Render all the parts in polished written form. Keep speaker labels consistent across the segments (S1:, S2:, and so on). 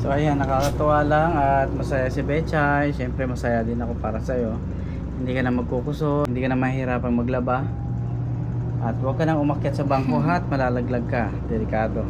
S1: So ayan, nakakatuwa lang at masaya si Bechay. Siyempre masaya din ako para sa'yo. Hindi ka na magkukuso, hindi ka na mahihirapan maglaba. At huwag ka nang umakyat sa bangko at malalaglag ka. Delikado.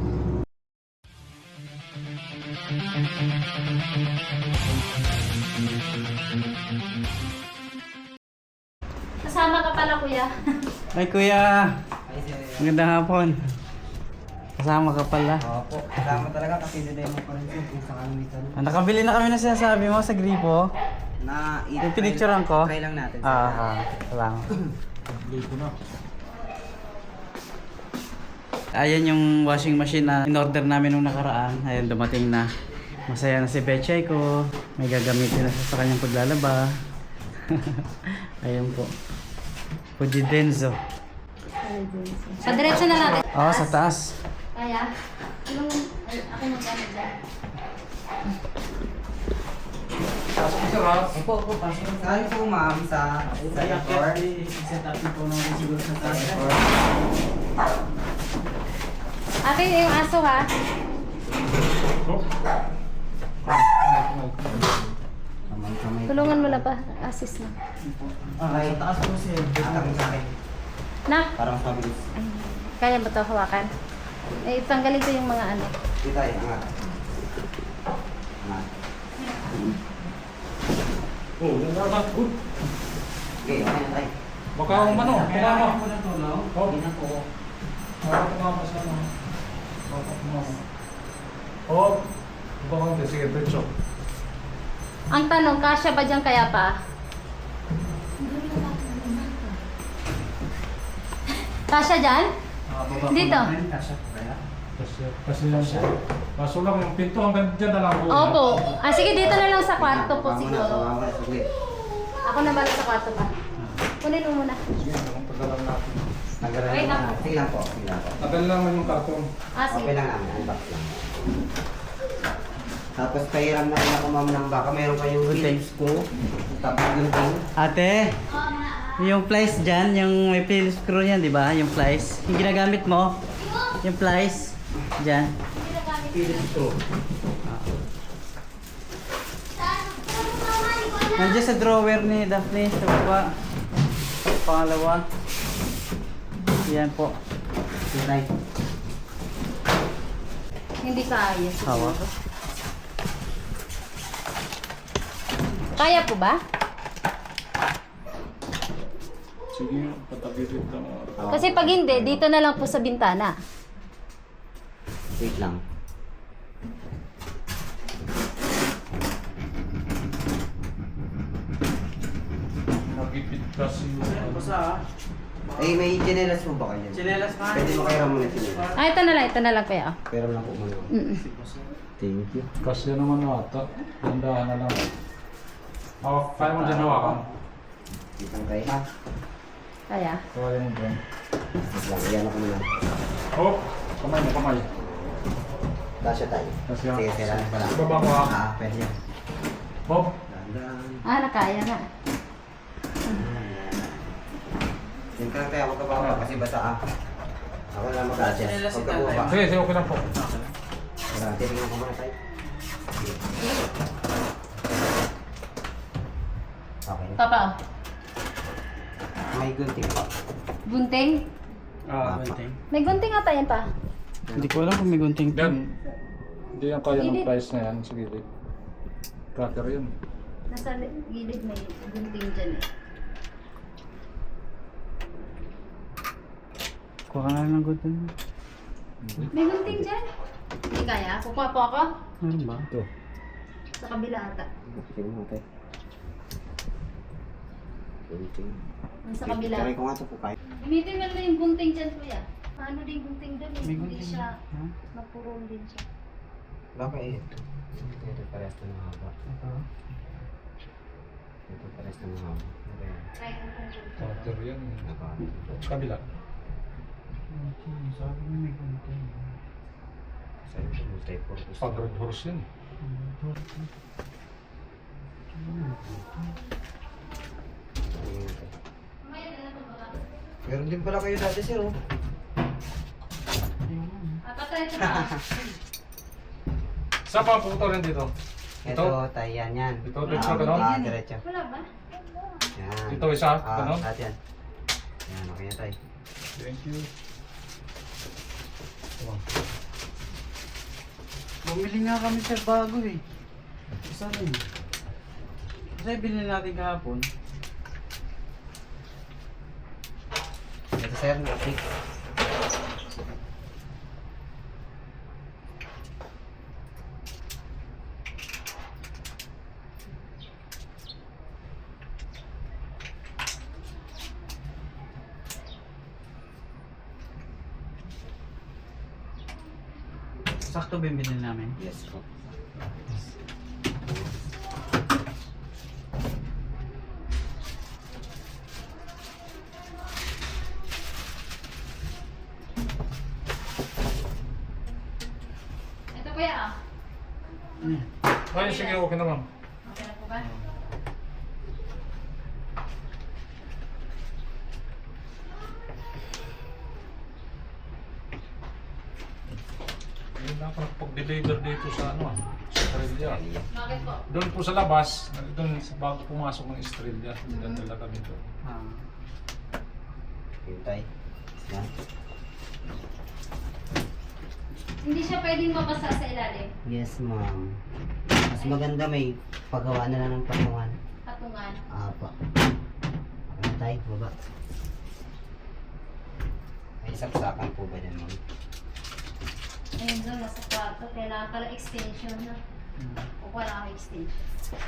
S2: Kasama ka pala, kuya.
S1: Ay kuya, magandang hapon. Kasama ka pala.
S3: Opo, kasama talaga kasi demo pa rin yung sa kalamitan.
S1: Nakabili na kami na sinasabi mo sa gripo.
S3: Na
S1: Yung pinicturean ko.
S3: Try lang natin.
S1: Salamat. Gripo na. Ayan yung washing machine na in-order namin nung nakaraan. Ayan, dumating na. Masaya na si Bechay ko. May gagamitin na siya sa kanyang paglalaba. Ayan po. Pujidenzo.
S2: Padiretso na natin.
S1: Oo, sa taas.
S2: Kaya? Yung, ako mag-ano dyan.
S3: Opo, pasok. Saan po ma'am sa floor?
S1: Set up po namin siguro sa taas.
S2: Ate, yung aso ha? Tulungan mo na pa. Assist na.
S1: Sa taas po siya.
S3: Atang sa akin.
S2: Nak,
S3: Parang mabilis.
S2: ay, kaya ba ito hawakan? Eh, tanggalin ko yung mga ano.
S3: Dito tayo, angat. Angat.
S4: Oh, nalabat ko.
S3: Okay, okay na tayo.
S4: Baka umano, tumama. Oh,
S1: Hindi na po.
S4: baka tumama sa ano. Baka tumama. Oh, baka hindi. Sige, diretso.
S2: Ang tanong, kasya ba dyan kaya pa? Kasya dyan? Dito.
S4: Kasi yan siya. Kaso lang yung pinto hanggang dyan na lang po.
S2: Opo. Ah, sige, dito na lang sa kwarto po
S3: Tama na,
S2: siguro.
S3: tama na, saglit.
S2: Ako na bala sa kwarto pa. Kunin mo muna.
S4: Sige, ang tagalan natin.
S3: Nagalan
S2: Wait
S3: mo
S2: lang.
S3: na. Sige lang po, sige lang po.
S4: Tagal lang yung karton.
S2: Ah,
S3: Okay
S2: sige.
S3: lang namin, unbox lang. Tapos pahiram na rin ako ma'am ng baka mayroon kayong Philips ko. Tapos gunting.
S1: Ate, yung plies dyan, yung may Phillips screw yan, di ba? Yung plies. Yung ginagamit mo, yung plies dyan.
S3: Philips ko.
S1: Nandiyan sa drawer ni Daphne, sa baba. Pangalawa. Yan po.
S3: Tunay.
S2: Hindi kaya.
S1: Hawa.
S2: Kaya po ba?
S4: Sige, patabirit lang.
S2: Kasi pag hindi, dito na lang po sa bintana.
S3: Wait lang.
S4: Nagipit kasi yung ano.
S1: Basta
S3: Eh, may chinelas mo ba kayo?
S1: Chinelas man.
S3: Pwede mo kairam mo na chinelas.
S2: Ah, ito na lang kaya.
S3: Pero lang po muna. Thank you.
S4: Kasi naman ata. Dandahan na lang. Oh, kaya mo dyan hawakan.
S3: Isang tayo ha.
S2: Kaya.
S4: Kaya mo dyan.
S3: Wait lang, iyan ako muna.
S4: Oh, kamay mo, kamay.
S3: Kasya tayo.
S4: Kasya.
S3: Sige, sila na pala.
S4: Ibaba ko ha.
S3: Pwede yan.
S4: Bob,
S3: Dahan-dahan.
S2: Ah, nakaya nga.
S3: Yung ka tayo, huwag ka baba kasi basa ah. Ako na lang mag-adjust.
S1: Chinelas
S3: Huwag
S1: si
S3: ka baba.
S4: sige, sige, okay lang po.
S3: Wala, titingnan ko muna tayo. Okay.
S2: Papa, oh.
S3: May gunting pa.
S2: Gunting?
S1: gunting.
S2: May gunting ata yan pa.
S1: Hindi ko alam kung may gunting.
S4: Yan. Hindi yan kaya ng
S2: Gilid.
S4: price na yan. Sige, cutter yun.
S2: Nasa gilid may gunting dyan eh.
S1: Kuha ka na lang ng gunting.
S2: May gunting dyan? Hindi kaya. Kukuha po ako.
S1: Ano ba?
S4: Ito.
S2: Sa kabila ata.
S3: Tingnan mo tayo. Gunting.
S2: Sa kabila.
S3: Try ko nga ito po kayo.
S2: Gamitin mo na yung gunting dyan, kuya. Paano din gunting dyan eh?
S1: May
S2: Hindi
S1: gunting.
S2: siya,
S1: Ha?
S2: mapurong din siya.
S3: Bakit? Ito parehas na mahaba. Ito parehas na mahaba.
S2: Try ko kung gunting.
S4: Cutter yan.
S3: Naka.
S4: Kabila.
S1: Sabi niya may gunting.
S3: Sa ito, multi-purpose.
S4: Pag red horse yan.
S3: Meron din pala kayo dati, sir, oh.
S2: Patay ito na.
S4: Saan pa puputulin dito?
S3: Ito,
S4: Ito?
S3: tayo yan.
S4: Ito, diretso, ganun?
S3: Diretso.
S2: Wala ba?
S3: Yan.
S4: Ito isa,
S3: Ah,
S4: ganun?
S3: lahat yan. Yan, okay na tayo.
S4: Thank you.
S1: Bumili nga kami sir bago eh. Isa rin. Kasi binili natin kahapon.
S3: Ito sir, nakapik.
S1: Sakto binili namin.
S3: Yes po.
S2: Ito kuya ah.
S4: Ay, sige, okay na ma'am.
S2: Okay na po ba?
S4: Hindi na ako nakapag-deliver dito sa ano, sa Estrella.
S2: Bakit po?
S4: Doon po sa labas, doon bago pumasok ng Estrella, nagdadala kami doon.
S1: Ah.
S3: Hintay. Yan.
S2: Hindi siya pwedeng mabasa sa ilalim.
S3: Yes, ma'am. Mas maganda may paggawa na lang ng patungan.
S2: Patungan.
S3: Apa. Ano tayo? Baba. May saksakan po ba dyan, ma'am?
S2: Ayun doon, nasa kwarto. Kailangan pala extension na. O wala akong extension.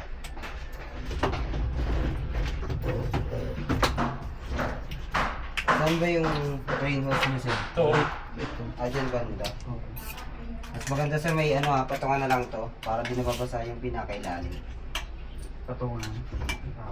S3: Saan ba yung rain hose niyo, sir?
S4: Ito,
S3: Dyan banda. Mas maganda sir, may ano patungan na lang to para di nababasa yung pinakailalim.
S1: Patungan. Ah.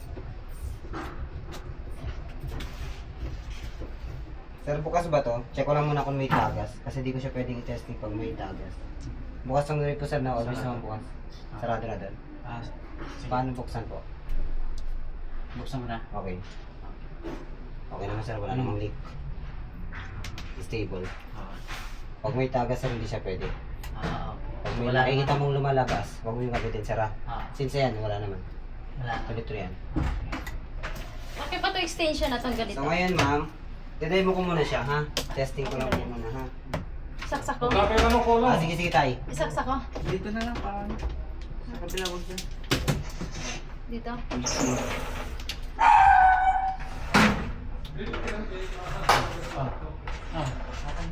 S3: Sir, bukas ba to? Check ko lang muna kung may tagas kasi di ko siya pwedeng i-testing pag may tagas. Bukas ang rin po sir na always naman bukas. Sarado na doon.
S1: Ah, sige.
S3: Paano buksan po?
S1: Buksan mo na.
S3: Okay. Okay naman sir, wala namang leak. Stable.
S1: Ah.
S3: Pag may tagas sir, hindi siya pwede.
S1: Ah, okay.
S3: Pag may nakikita mong lumalabas, huwag mo yung kapitin sir ha.
S1: Ah.
S3: Since yan, wala naman.
S1: Wala.
S3: Tuloy yan.
S2: Okay pa to extension na itong ganito?
S3: So ngayon ma'am, demo ko muna siya ha. Testing ko lang po muna ha.
S2: Isaksak ko?
S4: magkapit ano ko lang.
S3: Sige sige tay.
S2: Isaksak ko?
S1: Dito na lang paano. Sa kabila wag dyan.
S2: Dito?
S1: Ah. Ah. Okay.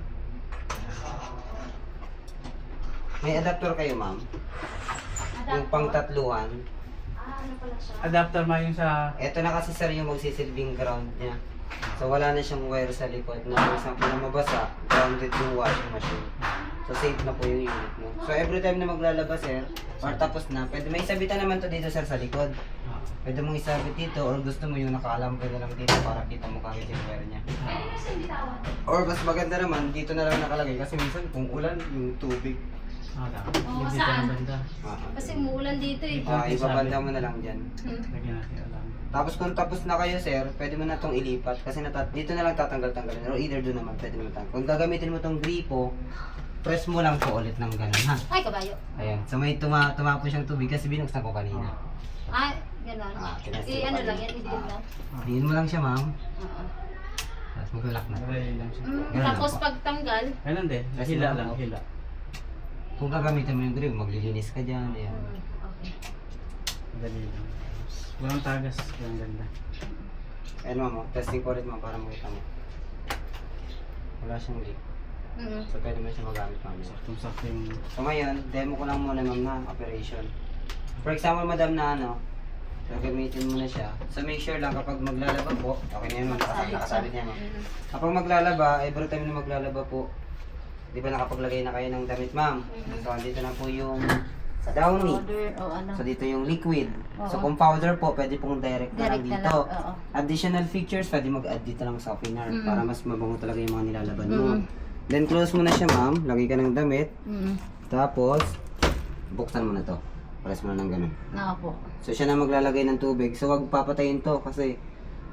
S3: May adapter kayo ma'am. Yung pang tatluhan.
S2: Ah, ano pala siya?
S1: Adapter ma yung sa
S3: Ito na kasi sir yung magsisilbing ground niya. So wala na siyang wire sa likod na for example na mabasa, grounded yung washing machine. So safe na po yung unit mo. So every time na maglalabas sir, or tapos na, pwede may isabitan naman to dito sir sa likod. Pwede mong isabit dito or gusto mo yung nakaalambre na lang dito para kita mo kagad yung wire niya.
S2: Pwede mo siya bitawan.
S3: Or mas maganda naman, dito na lang nakalagay kasi minsan kung ulan, yung tubig.
S2: Oo,
S1: dito
S2: saan?
S1: ng banda.
S2: Kasi umuulan dito eh.
S3: Ibabanda mo na lang dyan.
S1: Lagyan natin alam.
S3: Tapos kung tapos na kayo sir, pwede mo na itong ilipat kasi dito na lang tatanggal-tanggalin or either doon naman pwede naman tanggal. Kung gagamitin mo itong gripo, press mo lang po ulit ng ganun ha.
S2: Ay, kabayo.
S3: Ayan, so may tumapo siyang tubig kasi binuksan ko kanina.
S2: Ay, gano'n.
S3: Tinastil
S2: Ano
S3: ko
S2: lang
S3: kanina.
S2: yan, idin lang.
S3: Diin mo lang siya ma'am,
S2: Oo.
S3: tapos mag-lock na.
S1: Aray lang siya.
S3: Ganun
S2: Tapos
S3: lang po.
S2: pagtanggal,
S1: Ganun din.
S3: Kasi
S1: Hila
S3: lang
S1: lang,
S3: ako.
S1: hila.
S3: Kung gagamitin mo yung gripo, maglilinis ka dyan. Ayan.
S2: okay.
S1: Dali lang. Walang tagas. Walang ganda.
S3: Ayan ma'am, testing ko ulit ma'am para makita mo. Wala siyang leak. So pwede mo siya magamit ma'am.
S1: Saktong-sakto yung...
S3: So ngayon, demo ko lang muna ma'am na operation. For example, madam na ano, gagamitin mo na siya. So make sure lang kapag maglalaba po, okay na yun ma'am, nakasabit niya ma'am. Kapag maglalaba, every time na maglalaba po, di ba nakapaglagay na kayo ng damit ma'am? So dito na po yung downy.
S2: Powder o ano.
S3: So dito yung liquid. So
S2: Oo.
S3: kung powder po, pwede pong direct na lang
S2: Direct na
S3: dito.
S2: lang, oo.
S3: Additional features, pwede mag-add dito lang sa opener para mas mabango talaga yung mga nilalaban mo. Then close mo na siya ma'am, lagay ka ng damit. Tapos, buksan mo na to. Press mo na ng ganun.
S2: Naka po.
S3: So siya na maglalagay ng tubig. So wag papatayin to kasi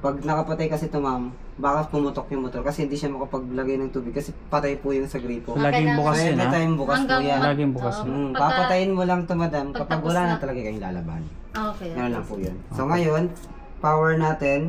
S3: Pag nakapatay kasi ito ma'am, baka pumutok yung motor kasi hindi siya makapaglagay ng tubig kasi patay po yung sa gripo.
S1: So, laging bukas
S3: So,
S1: yun,
S3: every
S1: ha?
S3: time bukas po yan.
S1: Laging bukas yun.
S3: Papatayin mo lang ito madam kapag
S2: Pagtapos
S3: wala na
S2: na.
S3: talaga kayong lalaban.
S2: Okay.
S3: Ganun lang po yun. So ngayon, power natin.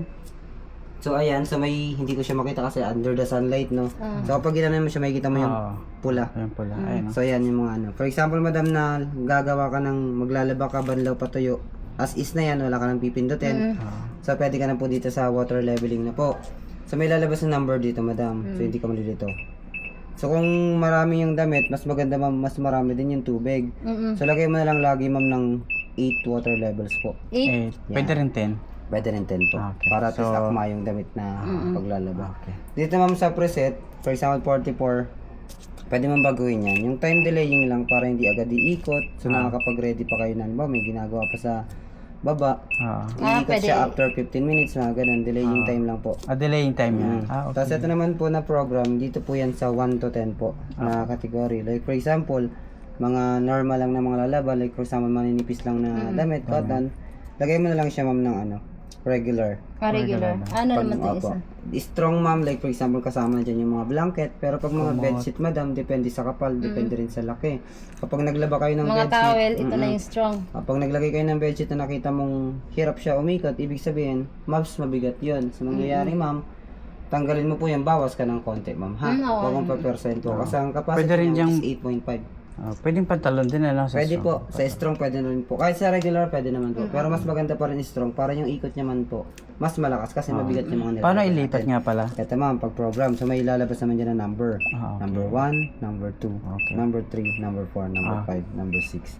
S3: So ayan, so may hindi ko siya makita kasi under the sunlight, no? So kapag ginanon mo siya, makikita mo yung
S1: Oo.
S3: pula.
S1: Ayun pala. Ayun, no?
S3: So ayan yung mga ano. For example, madam na gagawa ka ng maglalaba ka, banlaw, patuyo. As is na yan, wala ka nang pipindutin. So pwede ka na po dito sa water leveling na po. So may lalabas na number dito, madam. So hindi ka malilito. So kung marami yung damit, mas maganda ma'am, mas marami din yung tubig. So lagay mo na lang lagi ma'am ng 8 water levels po.
S2: 8.
S1: Pwede rin 10.
S3: Pwede rin 10 po.
S1: Okay.
S3: Para at least
S1: So-
S3: akma yung damit na paglalaba.
S1: Okay.
S3: Dito ma'am sa preset, for example 44, pwede mong baguhin yan. Yung time delaying lang para hindi agad iikot. So nakakapag-ready pa kayo na, ba may ginagawa pa sa baba.
S1: Oo.
S3: Iikot
S2: pwede.
S3: siya after 15 minutes, mga ganun. Delaying time lang po.
S1: Delaying time yan. Okay.
S3: Tapos ito naman po na program, dito po yan sa 1 to 10 po na category. Like for example, mga normal lang na mga lalaba, like for example, maninipis lang na damit, cotton, lagay mo na lang siya ma'am ng ano, regular.
S2: Regular. Ano naman ito
S3: Opo.
S2: isa?
S3: Strong ma'am, like for example, kasama na dyan yung mga blanket, pero pag mga bedsheet madam, depende sa kapal, depende rin sa laki. Kapag naglaba kayo ng
S2: Mga
S3: bedsheet,
S2: towel, ito na yung strong.
S3: kapag naglagay kayo ng bedsheet na nakita mong hirap siya umikot, ibig sabihin, mas mabigat yun. So, mangyayari ma'am, tanggalin mo po yan, bawas ka ng konti ma'am, ha?
S2: Oo.
S3: Huwag mong pa-percento. Kasi ang capacity
S1: Pwede rin
S3: niya
S1: yung-
S3: is 8.5.
S1: Pwedeng pantalon din na lang sa
S3: Pwede
S1: strong.
S3: po, sa strong pwede na rin po. Kahit sa regular pwede naman po. Pero mas maganda pa rin strong para yung ikot niya man po, mas malakas kasi mabigat yung mga
S1: Paano
S3: nilalagay
S1: ilipat
S3: natin.
S1: nga pala?
S3: Ito ma'am, pag program, so may ilalabas naman dyan na number.
S1: Okay.
S3: Number 1, number 2,
S1: Okay.
S3: number 3, number 4, number 5, number 6.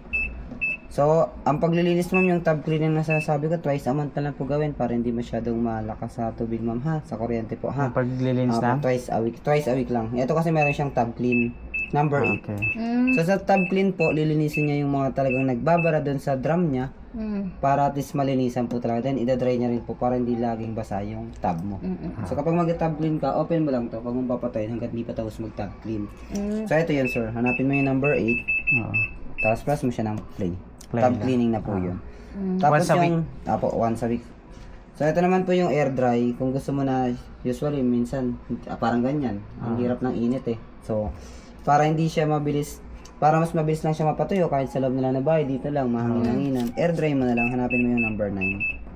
S3: So, ang paglilinis ma'am, yung tab cleaning na sinasabi ko, twice a month na lang po gawin para hindi masyadong malakas sa tubig ma'am ha, sa kuryente po ha.
S1: Ang paglilinis na?
S3: Twice a week lang. Ito kasi meron siyang tab clean, number 8.
S1: Okay.
S3: So sa tab clean po, lilinisin niya yung mga talagang nagbabara doon sa drum niya para at least malinisan po talaga. Then idadry niya rin po para hindi laging basa yung tab mo. So kapag mag-tab clean ka, open mo lang to. Huwag mong papatayin hanggat di pa tapos mag-tab clean. So ito yun sir, hanapin mo yung number 8.
S1: Oo.
S3: Tapos press mo siya ng play.
S1: Play
S3: Tab
S1: lang.
S3: cleaning na po yun. Tapos
S1: Once a
S3: yung, once a week. So ito naman po yung air dry. Kung gusto mo na, usually minsan, parang ganyan. Ang hirap ng init eh. So, para hindi siya mabilis, para mas mabilis lang siya mapatuyo kahit sa loob nila na bahay, dito lang, mahangin-hanginan. Air dry mo na lang, hanapin mo yung number 9.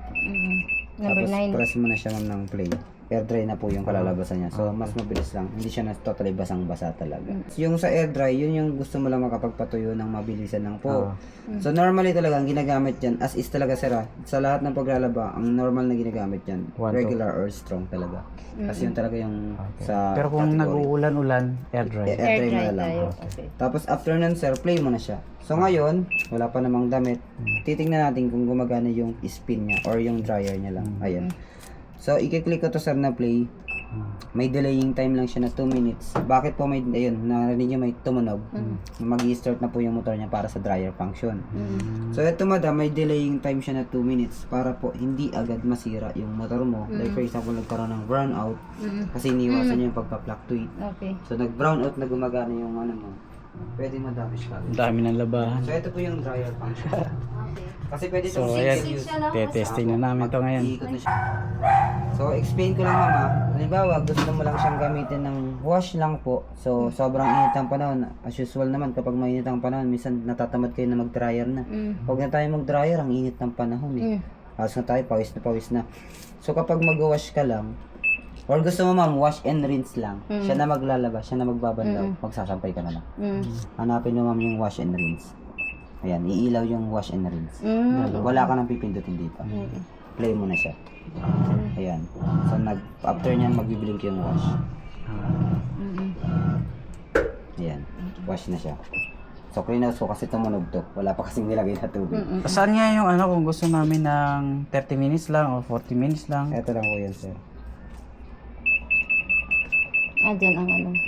S2: Number
S3: Tapos
S2: 9.
S3: press mo na siya ma'am ng play. Air dry na po yung kalalabasan niya. So, mas mabilis lang. Hindi siya na totally basang-basa talaga. Yung sa air dry, yun yung gusto mo lang makapagpatuyo ng mabilisan lang po. So, normally talaga, ang ginagamit dyan, as is talaga sir, sa lahat ng paglalaba, ang normal na ginagamit dyan,
S1: One, two.
S3: regular or strong talaga. Kasi yun talaga yung sa
S1: Pero kung
S3: category.
S1: nag-uulan-ulan, air dry.
S3: Air
S2: Air
S3: dry mo
S2: dry
S3: na lang.
S2: tayo. Okay.
S3: Tapos after nun sir, play mo na siya. So ngayon, wala pa namang damit. Titingnan natin kung gumagana yung spin niya or yung dryer niya lang. Ayan. So i-click ko to sir na play. May delaying time lang siya na 2 minutes. Bakit po may, ayun, narinig niyo may tumunog. Mag-i-start na po yung motor niya para sa dryer function. So ito madam, may delaying time siya na 2 minutes para po hindi agad masira yung motor mo. Like for example, nagkaroon ng brownout kasi iniwasan niya yung pagpa-fluctuate.
S2: Okay.
S3: So nag-brownout na gumagana yung ano mo. Pwede ma-damage ka.
S1: Ang dami ng labahan.
S3: So ito po yung dryer function.
S2: Okay.
S3: Kasi pwede
S1: So,
S3: itong
S1: ayan.
S3: single use.
S2: Siya lang.
S1: Testing na namin to ngayon.
S3: Iikot na siya. So explain ko lang mama. Halimbawa, gusto mo lang siyang gamitin ng wash lang po. So sobrang init ang panahon. As usual naman kapag mainit ang panahon, minsan natatamad kayo na mag-dryer na. Huwag na tayo mag-dryer, ang init ng panahon eh. Halos na tayo, pawis na. So kapag mag-wash ka lang, or gusto mo ma'am, wash and rinse lang. Siya na maglalaba, siya na magbabanlaw. Magsasampay ka na lang. Hanapin mo ma'am yung wash and rinse. Ayan, iilaw yung wash and rinse. Wala ka nang pipindutin dito. Play mo na siya. Ayan. So after nyan, magbiblink yung wash. Ayan. Wash na siya. So cleanhouse ko kasi tumunog to. Wala pa kasing nilagay na tubig.
S1: Saan nga yung ano kung gusto namin ng 30 minutes lang o 40 minutes lang?
S3: Ito lang po yan sir.
S2: Dyan ang ano.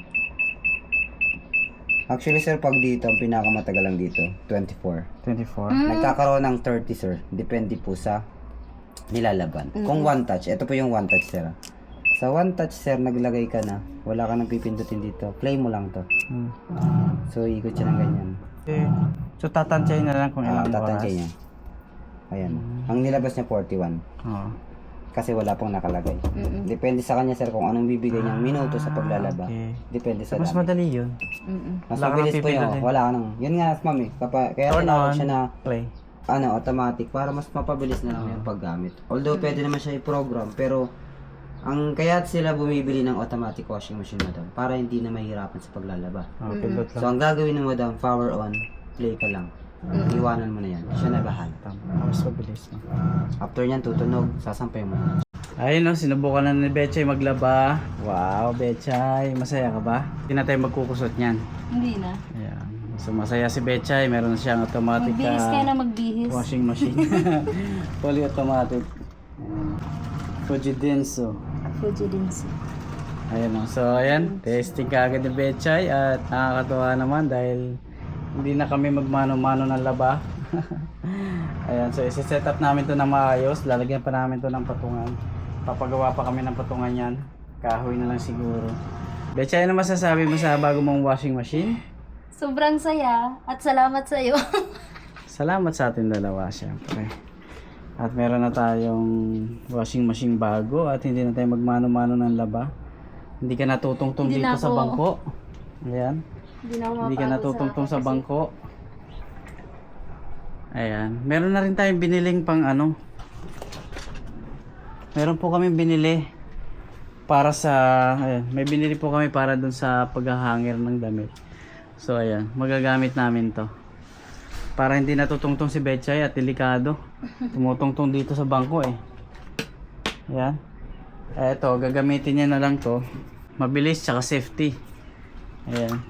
S3: Actually sir, pag dito, ang pinakamatagal lang dito, 24.
S1: 24.
S3: Nagkakaroon ng 30 sir. Depende po sa nilalaban. Kung one touch, ito po yung one touch sir. Sa one touch sir, naglagay ka na. Wala ka nang pipindutin dito. Play mo lang to. So ikot siya ng ganyan.
S1: Okay. So tatansyahin na lang kung ilang oras.
S3: Tatansya niya. Ayan. Ang nilabas niya 41.
S1: Oo.
S3: kasi wala pong nakalagay.
S2: Mm-mm.
S3: Depende sa kanya sir kung anong bibigay niyang minuto sa paglalaba.
S1: Okay.
S3: Depende sa
S1: Mas
S3: dami.
S1: madali yun.
S2: Mm-mm.
S3: Mas
S1: Wala ka
S3: mabilis
S1: nang
S3: po yun.
S1: pipindutin.
S3: Wala ka nang. Yun nga ma'am eh. Kaya
S1: Turn
S3: tinawag
S1: on,
S3: siya na
S1: play.
S3: automatic para mas mapabilis na lang yung paggamit. Although pwede naman siya i-program pero kaya sila bumibili ng automatic washing machine madam para hindi na mahirapan sa paglalaba.
S1: Oh, pindot
S3: So
S1: lang.
S3: ang gagawin mo madam, power on, play ka lang. Iwanan mo na yan. Siya na bahala.
S1: Tama. Mas mabilis. No?
S3: After nyan tutunog, sasampay mo.
S1: Ayun no, sinubukan na ni Betchay maglaba. Wow, Betchay, masaya ka ba? Hindi na tayo magkukusot niyan.
S2: Hindi na.
S1: Ayan. So masaya si Betchay, meron na siyang automatic
S2: Magbihis kayo na magbihis.
S1: washing machine. Fully automatic. Fujidenso.
S2: Fuji din siya.
S1: Ayan o. So ayan, testing ka agad ni Betchay at nakakatuwa naman dahil hindi na kami magmano-mano ng laba. Ayan, so isi-set up namin to na maayos. Lalagyan pa namin to ng patungan. Papagawa pa kami ng patungan yan. Kahoy na lang siguro. Betchay, ano masasabi mo sa bago mong washing machine?
S2: Sobrang saya at salamat sa iyo.
S1: Salamat sa atin dalawa, syempre. At meron na tayong washing machine bago at hindi na tayo magmano-mano ng laba. Hindi ka natutungtong
S2: Hindi
S1: dito
S2: na
S1: sa
S2: ako.
S1: bangko. Ayan.
S2: Hindi na ako
S1: Hindi ka
S2: mapagod
S1: natutungtong sa
S2: kasi
S1: bangko. Ayan. Meron na rin tayong biniling pang ano. Meron po kami binili para sa ayan, may binili po kami para dun sa paghahangir ng damit. So ayan, magagamit namin to. Para hindi natutungtong si Betchay at delikado. Tumutungtong dito sa bangko eh. Ayan. Eto, gagamitin niya na lang to. Mabilis tsaka safety. Ayan.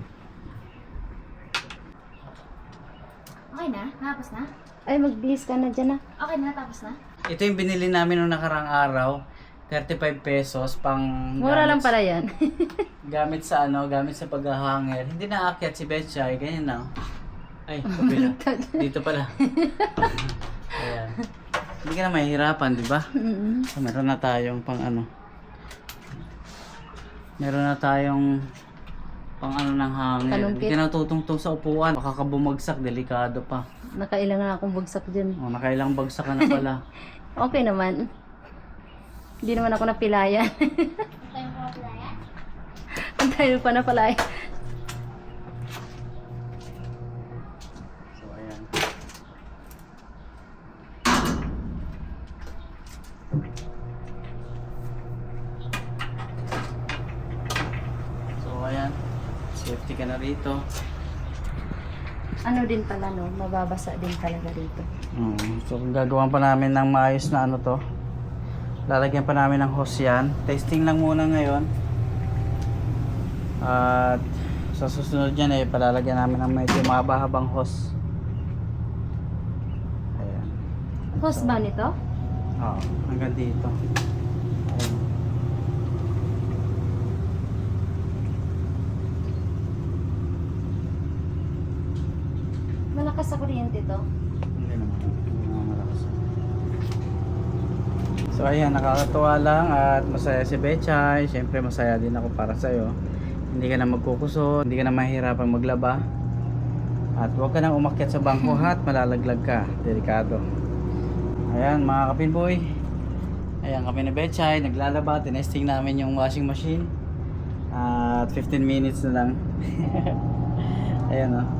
S2: Okay na? Tapos na? Ay, magbihis ka na dyan na. Okay na, tapos na?
S1: Ito yung binili namin noong nakarang araw. 35 pesos pang
S2: Mura lang
S1: gamit-
S2: pala yan.
S1: Gamit sa ano, gamit sa paghahangir. Hindi na aakyat si Betchay, ganyan lang. Ay, kapila. Dito pala. Ayan. Hindi ka na mahihirapan, di ba? So, meron na tayong pang ano. Meron na tayong pang ano ng hangir. Hindi
S2: Talumpit.
S1: ka na tutungtong sa upuan. Baka ka bumagsak, delikado pa.
S2: Nakailang na akong bagsak dyan.
S1: O, nakailang bagsak ka na pala.
S2: Okay naman. Hindi naman ako napilayan. Ang tayo pa napalaya.
S1: So, ayan. So, ayan. Safety ka na rito.
S2: Ano din pala no, mababasa din talaga dito.
S1: So, kung gagawan pa namin ng maayos na ano to, lalagyan pa namin ng hose yan. Testing lang muna ngayon. At sa susunod yan eh, palalagyan namin ng medyo mahaba-habang hose. Ayan.
S2: Host ba nito?
S1: Oo, hanggang dito. Ayan.
S2: Malakas sa kuryente to.
S1: Hindi naman. Hindi naman malakas. So ayan, nakakatuwa lang at masaya si Betchay. Siyempre masaya din ako para sa'yo. Hindi ka na magkukuso, hindi ka na mahihirapan maglaba. At huwag ka nang umakyat sa bangko at malalaglag ka. Delikado. Ayan mga kapinboy. Ayan kami ni Betchay, naglalaba. Tinesting namin yung washing machine. At 15 minutes na lang. Ayan o.